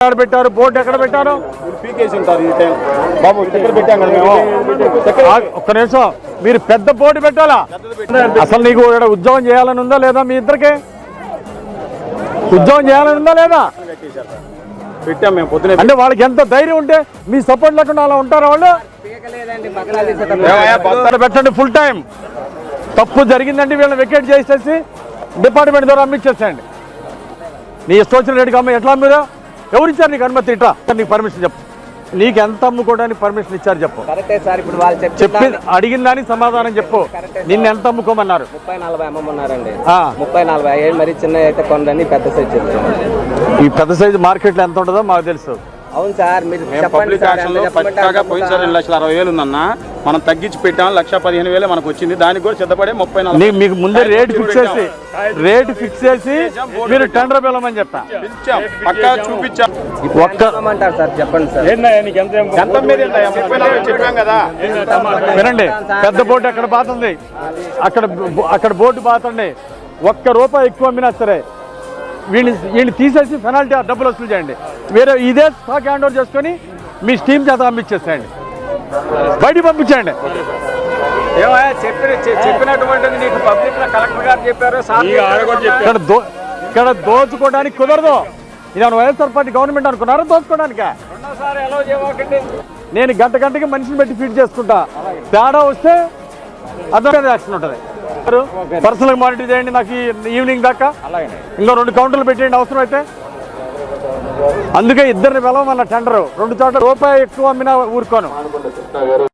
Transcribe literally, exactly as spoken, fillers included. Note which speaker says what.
Speaker 1: ఎక్కడ పెట్టారు? బోర్డు ఎక్కడ పెట్టారు?
Speaker 2: పీకేసి ఉంటారు ఈ టైం బాబు. చక్కెర పెట్టాం కదా మేము.
Speaker 1: ఒక్క నిమిషం, మీరు పెద్ద బోర్డు పెట్టాలా? అసలు నీకు ఇక్కడ ఉద్యోగం చేయాలని ఉందా లేదా? మీ ఇద్దరికి ఉద్యోగం చేయాలని ఉందా లేదా?
Speaker 2: పెట్టాం మేము పొద్దున.
Speaker 1: అంటే వాళ్ళకి ఎంత ధైర్యం ఉంటే మీ సపోర్ట్ లేకుండా అలా ఉంటారా వాళ్ళు? పెట్టండి ఫుల్ టైం. తప్పు జరిగిందంటే వీళ్ళని వెకేట్ చేసేసి డిపార్ట్మెంట్ ద్వారా అమ్మిచ్చేసేయండి. నీ ఇష్టం వచ్చిన రేటుకి అమ్మ. ఎట్లా అమ్మిరా? ఎవరు ఇచ్చారు నీకు అనుమతి? ఇట్లా నీకు పర్మిషన్ చెప్పు. నీకు ఎంత అమ్ముకోవడానికి పర్మిషన్ ఇచ్చారు చెప్పు. చెప్పి అడిగిన దానికి సమాధానం చెప్పు. నిన్ను ఎంత అమ్ముకోమన్నారు?
Speaker 3: ముప్పై నలభై అమ్మన్నారండి. ముప్పై నలభై అయ్యాయి. మరి చిన్న అయితే కొండని పెద్ద సైజు చెప్తాను.
Speaker 1: ఈ పెద్ద సైజు మార్కెట్లో ఎంత ఉంటుందో మాకు తెలుసు.
Speaker 3: అవును సార్, మీరు
Speaker 2: పబ్లిక్ యాక్షన్ లో పక్కాగా పోయినసారి రెండు లక్షల అరవై వేలు ఉందన్న, మనం తగ్గించి పెట్టాం. లక్ష పదిహేను వేలే మనకు వచ్చింది. దానికి కూడా సిద్ధపడే ముప్పై నాలుగు
Speaker 1: మీకు ముందే రేటు ఫిక్స్ చేసి రేటు ఫిక్స్ చేసి మీరు టెండర్ పిలవమని చెప్పా.
Speaker 2: పక్కా చూపించాం.
Speaker 3: ఒక్క సార్ చెప్పండి సార్.
Speaker 2: చెప్పాం కదా.
Speaker 1: వినండి, పెద్ద బోర్డు ఎక్కడ బాతుంది, అక్కడ అక్కడ బోర్డు బాతండి. ఒక్క రూపాయి ఎక్కువ అమ్మినా సరే వీళ్ళని వీళ్ళని తీసేసి పెనాల్టీ డబ్బులు వసూలు చేయండి. వేరే ఇదే స్టాక్ హ్యాండ్ ఓవర్ చేసుకొని మీ స్టీమ్ చేత పంపించేసేయండి, బయటికి పంపించండి.
Speaker 3: చెప్పినటువంటిది నీకు పబ్లిక్ కలెక్టర్ గారు చెప్పారు.
Speaker 1: ఇక్కడ దో ఇక్కడ దోచుకోవడానికి కుదరదు. ఇది వైఎస్ఆర్ పార్టీ గవర్నమెంట్ అనుకున్నారా దోచుకోవడానికే? నేను గంట గంటకి మనిషిని పెట్టి ఫీడ్ చేసుకుంటా. తేడా వస్తే అదొక యాక్షన్ ఉంటుంది. పర్సనల్ మానిటర్ చేయండి నాకు ఈవినింగ్ దాకా. ఇంకో రెండు కౌంటర్లు పెట్టేయండి అవసరం అయితే. అందుకే ఇద్దరిని పిలవమన్న టెండరు. రెండు చోట్ల రూపాయి ఎక్కువ అమ్మినా ఊరుకోను.